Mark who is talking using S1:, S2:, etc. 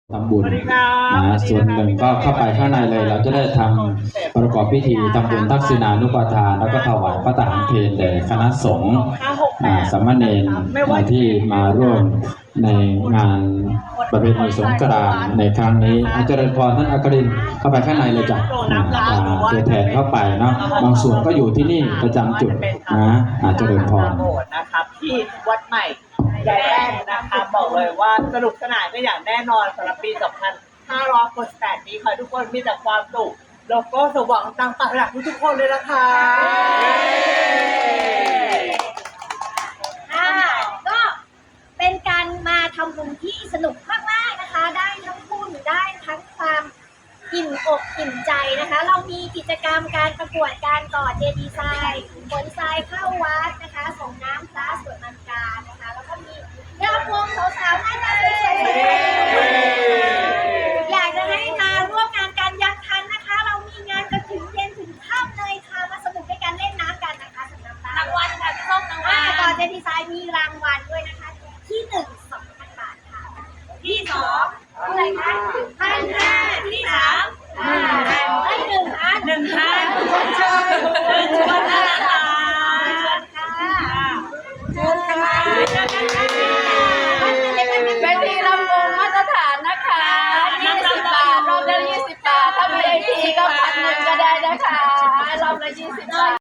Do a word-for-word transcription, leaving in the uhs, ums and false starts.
S1: ทำบุญนะส่วนหนึ่งก็เข้าไปข้างในเลยเราจะได้ทำประกอบพิธีทำบุญทักษิณานุปทานแล้วก็ถวายพระทหารเพลแด่คณะสงฆ์สามเณรที่มาร่วมในงานประเพณีสงกรานต์ในครั้งนี้อาจารย์พรท่านอัครินทร์เข้าไปข้างในเลยจ้ะตัวแทนเข้าไปเนาะบางส่วนก็อยู่ที่นี่ประจำจุดนะอาจารย์พร
S2: นะครับที่วัดใหม่ใหญ่แป้งนะคะบอกเลยว่าสนุกสนานก็อย่างแน่นอนสำหรับปี สองพันห้าร้อยหกสิบแปด นี้ค่ะทุกคนมีแต่ความสุขแล้วก็สว่างต่างปากหลักทุกคนเลยนะคะ
S3: ค่ะก็เป็นการมาทำบุญที่สนุกมากๆนะคะได้ทั้งบุญได้ทั้งความอิ่มอกอิ่มใจนะคะเรามีกิจกรรมการประกวดการก่อเจดีย์ทรายขนทรายเข้าวัดนะคะส่งน้ำพระสวดมนต์การนะคะแล้วก็มีรำวงสาวๆหน้าตาสวยๆอยากจะให้มาร่วมงานกันยังทันนะคะเรามีงานกันถึงเย็นถึงค่ำเลยค่ะมาสนุกด้วยกันเล่นน้ำกันนะคะสำหรับรางวัลค่ะพี่ส้มรางวัลก่อเจดีย์ทรายมีรางวัลด้วยนะคะที่หนึ่งสองพันบาทค่ะที่สองเท่าไหร่คะพันห้าที่สามอ่าได้หนึ่งพันหนึ่งพันเชิญเชิญเชิญนะคะเชิญค่ะ
S4: เป็นที่ลำวงมาตรฐานนะคะยี่สิบบาทรอบละยี่สิบบาทถ้าไม่ได้ทีก็พันหนึ่งก็ได้นะคะรอบละยี่สิบบาท